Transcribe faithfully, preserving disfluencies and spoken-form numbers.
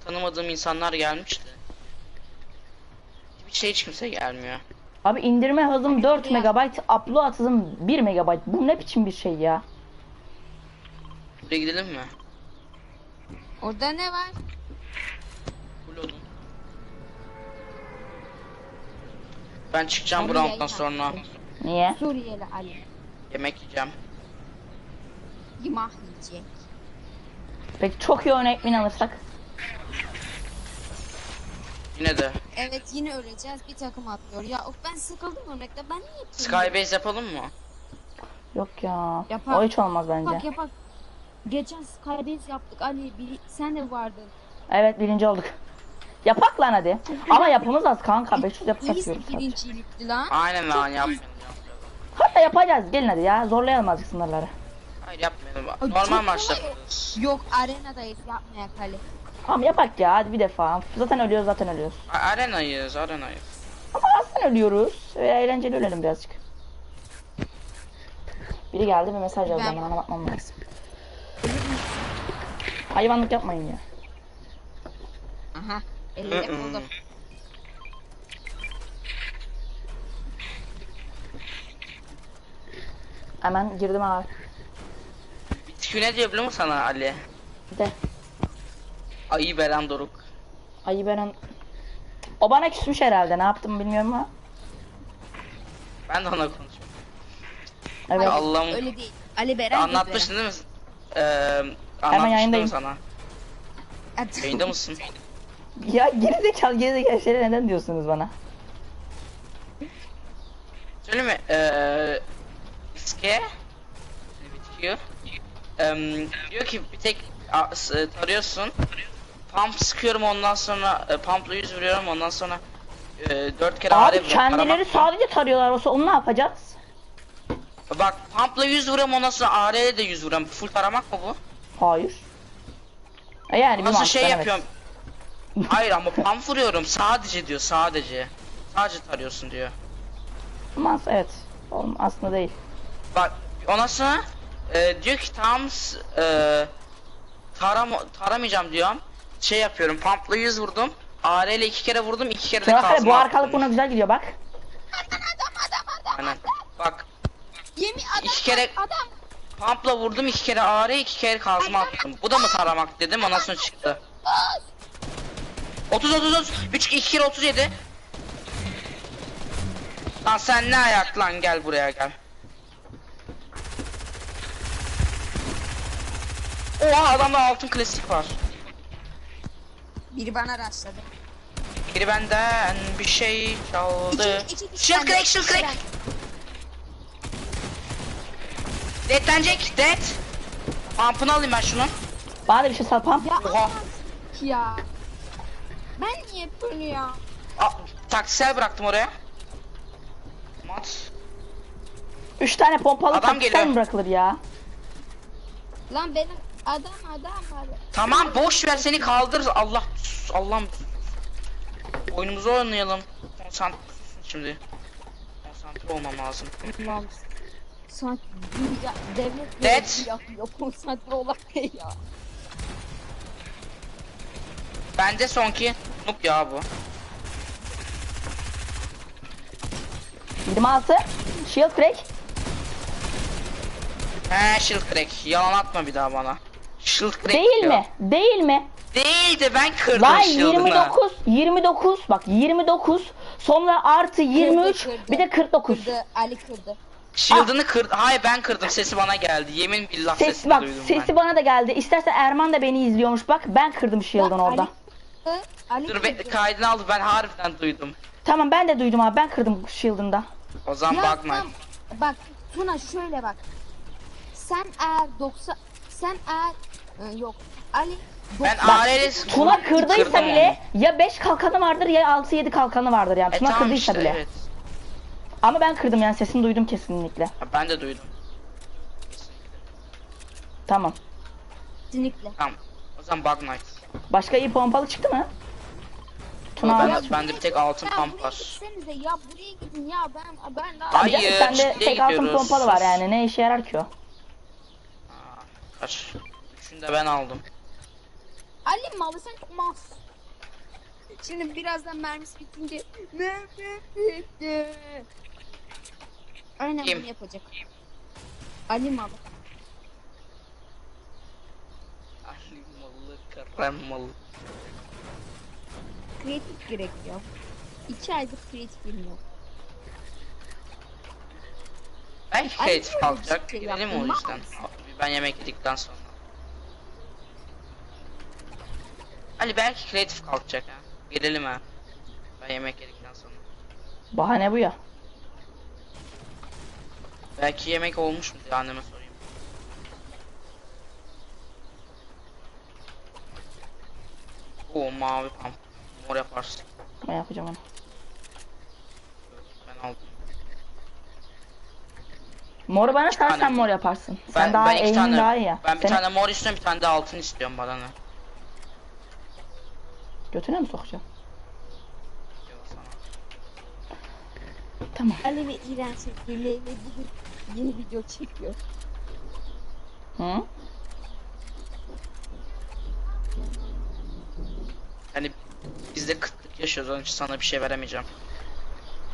tanımadığım insanlar gelmişti. Bir şey hiç kimse gelmiyor. Abi indirme hızım dört megabayt, upload hızım bir megabayt. Bu ne biçim bir şey ya? Buraya gidelim mi? Orada ne var? Full odun. Ben çıkacağım Abi bu rounddan yayın sonra. açtım. Niye? Suriyeli Ali. Yemek yiyeceğim. Yimah yiyecek. Peki çok iyi örnek min alırsak? Yine de. Evet yine öleceğiz. Bir takım atlıyor. Ya of ben sıkıldım örnekte. Ben niye yapıyorum? Skybase yapalım mı? Yok ya. Yapar. O hiç olmaz bence. Yapak yapak. Geçen Skybase yaptık Ali. Bir, sen de vardın. Evet birinci olduk. Yapak lan hadi. Ama yapımız az kanka. beş yüz yapıp Hangisi satıyoruz sadece. birincilikti lan? Aynen lan Çok yapmayalım. Hatta yapacağız. Gelin hadi ya. Zorlayalım azıcık sınırları. Hayır yapmayalım. Ay, Normal çok maçta. kolay. Yok arenadayız yapmayak Ali. Tamam yapak ya hadi bir defa. Zaten ölüyoruz zaten ölüyoruz. A- Arenayız, arenayız. Ama aslında ölüyoruz. Ve eğlenceli ölelim birazcık. Biri geldi ve mesaj yazdı. Ben- Ben ona bakmam lazım. Hayvanlık yapmayın ya. Aha. elli buldum. Hemen girdim abi. Bitki ne diyor biliyor musun sana Ali? Bir de Ayı veren Doruk. ayı veren... O bana küsmüş herhalde. Ne yaptım bilmiyorum ama. Ben de ona konuşuyorum. Evet. Ya Allah'ım. Öyle değil. Ali Beren Anlatmıştın değil mi? Ee, anlatmıştım değil yayındayım. mi sana? Hadi. Yayında mısın? Ya gerizekalı gerizekalı şeyleri neden diyorsunuz bana? Söyle mi? Eee... İske... Bitiyor. Eee... Diyor ki bir tek a, s- tarıyorsun. Pump sıkıyorum ondan sonra e, pumpla yüz vuruyorum ondan sonra e, dört kere ağrı Abi vuruyorum. kendileri Taramak- sadece tarıyorlar olsa onu ne yapacağız? Bak pumpla yüz vuruyorum ondan sonra A R'ye de yüz vuruyorum. Full taramak mı bu? Hayır. E yani bir Nasıl mantıkla şey evet. yapıyorum? Hayır ama pump vuruyorum sadece diyor sadece. Sadece tarıyorsun diyor. Mas evet. Oğlum aslında değil. Bak ondan sonra e, diyor ki tam s- e, taram taramayacağım diyorum. Şey yapıyorum pumpla yüz vurdum. A R ile iki kere vurdum iki kere de Şurası kazma bu arkalık attım. buna güzel gidiyor bak. Aynen. Bak Yemin adam iki kere adam. pumpla vurdum iki kere A R iki kere kazma attım. Bu da mı taramak dedim ondan sonra çıktı. otuz otuz otuz üç iki kere otuz yedi. Lan sen ne ayak lan gel buraya gel. Oha adamda altın klasik var. Biri bana rastladı. Biri benden bir şey çaldı. İki- iki- iki Shield tane- crack, shield crack. Deadlenecek, dead. Pump'ını alayım ben şunu. Bana da bir şey sal pam. Ya Oha. Allah ya. Ben niye böyle ya? Aa, taktiksel bıraktım oraya. Mat. Üç tane pompalı Adam taktiksel geliyor. mi bırakılır ya? Lan benim adam adam var. Tamam boş ver seni kaldır. Allah Allah'ım. Oyunumuzu oynayalım. Konsantre şimdi. Konsantre olmam lazım. Allah'ım. Sanki dünya devlet Dead. görevi yapıyor. Konsantre olamıyor ya. Bende sonki noob ya bu. yirmi altı. Shield crack. He shield crack. Yalan atma bir daha bana. Shield crack Değil diyor. mi? Değil mi? Değildi ben kırdım Lan shield'ını. yirmi dokuz. yirmi dokuz. Bak yirmi dokuz. Sonra artı yirmi üç. Kırdı, kırdı. Bir de kırk dokuz. Kırdı Ali kırdı. Shield'ını kırdı. Hayır ben kırdım sesi bana geldi. Yemin billah Ses sesini bak duydum sesi ben. bana da geldi. İstersen Erman da beni izliyormuş bak. Ben kırdım shield'ını Bak, orada. Ali kırdı. Ali Dur be, kırdı. kaydını aldı ben harbiden duydum. Tamam ben de duydum abi. Ben kırdım shield'ını da. O zaman Ya bakma. tamam, bak Tuna şöyle bak. Sen eğer doksan sen eğer Ee, yok Ali Ben doksan- A R'li Tuna kırdıysa kırdım bile ya beş kalkanı vardır ya altı yedi kalkanı vardır yani. E Tuna tamam kırdıysa işte, bile. evet. Ama ben kırdım yani sesini duydum kesinlikle. Ha, ben de duydum. Tamam. kesinlikle. Tamam. O zaman Bug Knight. Başka iyi pompalı çıktı mı? Tuna Ben, abi. bende bir tek altın Ya pump buraya var. gitsenize ya buraya gidin ya ben ben daha Hayır. Canım, sende ciddiye tek altın gidiyoruz. pompalı var yani ne işe yarar ki o? Kaç. Üçünü de ben aldım. Ali malı sen çok mal. Şimdi birazdan mermisi bitince mermi bitti. Aynen Kim? bunu yapacak. Ali malı. Ali malı, Kerem malı. Kreatif gerek ya. İki aydır kreatif bilmiyor. Belki Ali kreatif niye kalacak. bir şey Gidelim yaptın? o yüzden. Mal Ben yemek yedikten sonra. Ali belki kreatif kalkacak ha. Gidelim ha. Ben yemek yedikten sonra. Bahane bu ya. Belki yemek olmuş mu diye anneme sorayım. Oo mavi pump. Mor yaparsın. Ben yapacağım onu. Ben aldım. Moru bana İki sen tane. sen mor yaparsın. Ben, Sen daha ben iki eğimin tane, daha iyi ya. Ben bir Senin tane mor istiyorum, bir tane de altın istiyorum bana ne? götüne mi sokacağım? Yok sana. Tamam. Ali ve İren sevgiliyle bugün yeni video çekiyor. Hı? Hani biz de kıtlık yaşıyoruz, onun için sana bir şey veremeyeceğim.